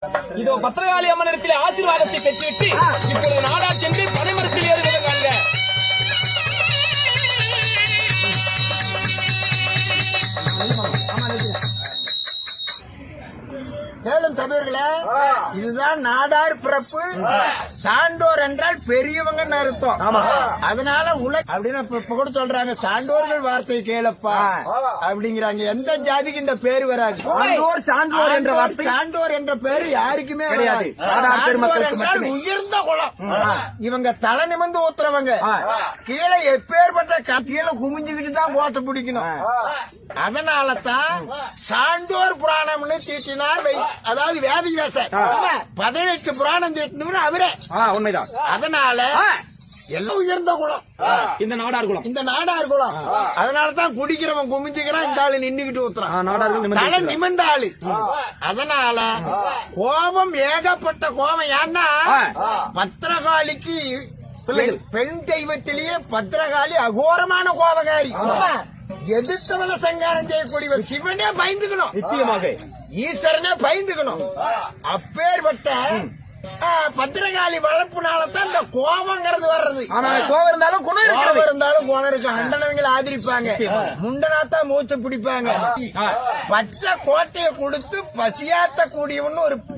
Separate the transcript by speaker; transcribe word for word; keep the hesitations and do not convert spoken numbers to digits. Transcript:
Speaker 1: இதோ பத்திரகாளி அம்மனிடத்தில் ஆசீர்வாதத்தை பெற்றுவிட்டு இப்பொழுது நாடா சென்று பனைமரத்தில் ஏறுகிறாங்க.
Speaker 2: மேலும் தமிழர்களே, இதுதான் நாடார் பிறப்பு. சான்றோர் என்றால் பெரியவங்கன்னு அர்த்தம். அதனால உலக அப்படின்னு இப்ப கூட சொல்றாங்க, சான்றோர்கள் வார்த்தை கேளப்பா அப்படிங்கிறாங்க. எந்த ஜாதிக்கு இந்த பேரு வராது. சான்றோர் என்ற வார்த்தை, சான்றோர் என்ற பேரு யாருக்குமே கிடையாது. உயர்ந்த குலம். இவங்க தலை நிமிர்ந்து ஊத்துறவங்க. கீழே எப்பேற்பட்ட கீழே குமிஞ்சுக்கிட்டு தான் கோட்டை பிடிக்கணும். அதனால தான் சான்றோர் புராணம்னு தீட்டினார். அதாவது வேதி வியாசர் பதினெட்டு புராணம் தீட்டினு அவரே.
Speaker 1: உண்மைதான்.
Speaker 2: அதனால எல்லாம் உயர்ந்த குலம்
Speaker 1: இந்த நாடார் குலம்.
Speaker 2: இந்த நாடார் குலம். அதனாலதான் குடிக்கிறவன் குமிஞ்சுக்கிறான், இந்த ஆளு நின்னுகிட்டு ஊத்துறான். தலை நிமிர்ந்த ஆளு. அதனால கோபம் ஏகப்பட்ட கோபம். ஏன்னா பத்திரகாளிக்கு பெண் தெய்வத்திலேயே பத்திரகாளி அகோரமான கோபகாரி. எதிர்த்தவன சங்காரம் செய்யக்கூடியவர். சிவனே பயந்துக்கணும். நிச்சயமாக ஈஸ்வரனே பயந்துக்கணும். அப்பேற்பட்ட பத்திரகாளி வளர்ப்புனாலதான் இந்த கோபங்கிறது வர்றது.
Speaker 1: கோபம் இருந்தாலும் குணம்
Speaker 2: கோபம் இருந்தாலும் குணம் இருக்கு. அண்டனவங்களை ஆதரிப்பாங்க, முண்டனாத்தான் மூச்சு பிடிப்பாங்க. பச்சை கோட்டையை கொடுத்து பசியாத்த கூடியவன்னு ஒரு